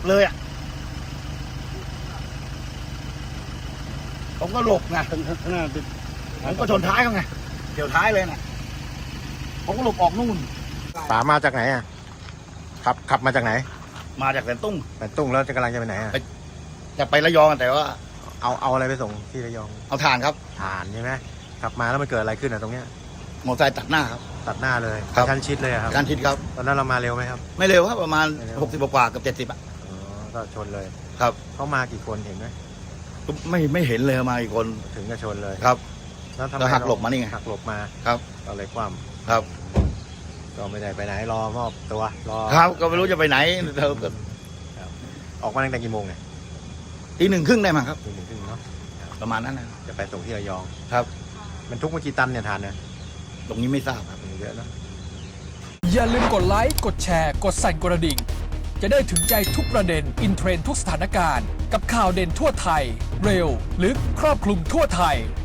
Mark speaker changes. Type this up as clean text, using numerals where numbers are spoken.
Speaker 1: บเลยอ่ะผมก็หลบไง
Speaker 2: ข้างหน้าติด
Speaker 1: ผมก็ชนท้ายเขาไงเกี่ยวท้ายเลยนะผมก็หลบออกนู่น
Speaker 3: ป๋ามาจากไหนอ่ะขับมาจากไหน
Speaker 1: มาจากแสนตุ้ง
Speaker 3: แต่ตุ้งแล้วจะกำลังจะไปไหนอ่ะ
Speaker 1: จะไประยองแต่ว่า
Speaker 3: เอาอะไรไปส่งที่ระยอง
Speaker 1: เอาถ่านครับ
Speaker 3: ถ่านใช่ไหมขับมาแล้วมันเกิดอะไรขึ้นอ่ะตรงเนี้ย
Speaker 1: มอเตอร์ไซค์ตัดหน้าครับ
Speaker 3: ตัดหน้าเลย
Speaker 1: ครับ
Speaker 3: ชั้นชิดเลยอะครับ
Speaker 1: การทิศครับ
Speaker 3: ตอนนั้นเรามาเร็วไหมครับ
Speaker 1: ไม่เร็วครับประมาณ
Speaker 3: ไม่เร็ว
Speaker 1: 60กว่าๆกับ70อ่ะ
Speaker 3: อ๋อก็ชนเลย
Speaker 1: ครับ
Speaker 3: เขามากี่คนเห็นไหม
Speaker 1: ก็ไม่เห็นเลยมาอีกคน
Speaker 3: ถึงจะชนเลย
Speaker 1: ครับ
Speaker 3: แล้วทำไม
Speaker 1: แล้วหักหลบมานี่ไง
Speaker 3: หักหลบมา
Speaker 1: ครับ
Speaker 3: ก็เลยคว่
Speaker 1: ครับ
Speaker 3: ำก็ไม่ได้ไปไหนรอมอบตัวรอ
Speaker 1: ครับก็ไม่รู้จะไปไหนเธอก็
Speaker 3: ออกมาตั้งแต่กี่โมงเนี่ย
Speaker 1: ตี 1:30ได้มั้งครับ
Speaker 3: ตี 1:30เนาะ
Speaker 1: ประมาณนั้นนะ
Speaker 3: จะไปส่งที่ระยอง
Speaker 1: ครับ
Speaker 3: มันทุกเมื่อกี่ตันเนี่ยทานเนี่ย
Speaker 1: ตรงนี้ไม่ทราบครับ
Speaker 3: เยอะเนอะ
Speaker 4: อย่าลืมกดไลค์ กดแชร์ กดสั่นกระดิ่ง จะได้ถึงใจทุกประเด็น อินเทรนด์ทุกสถานการณ์ กับข่าวเด่นทั่วไทย เร็ว ลึก ครอบคลุมทั่วไทย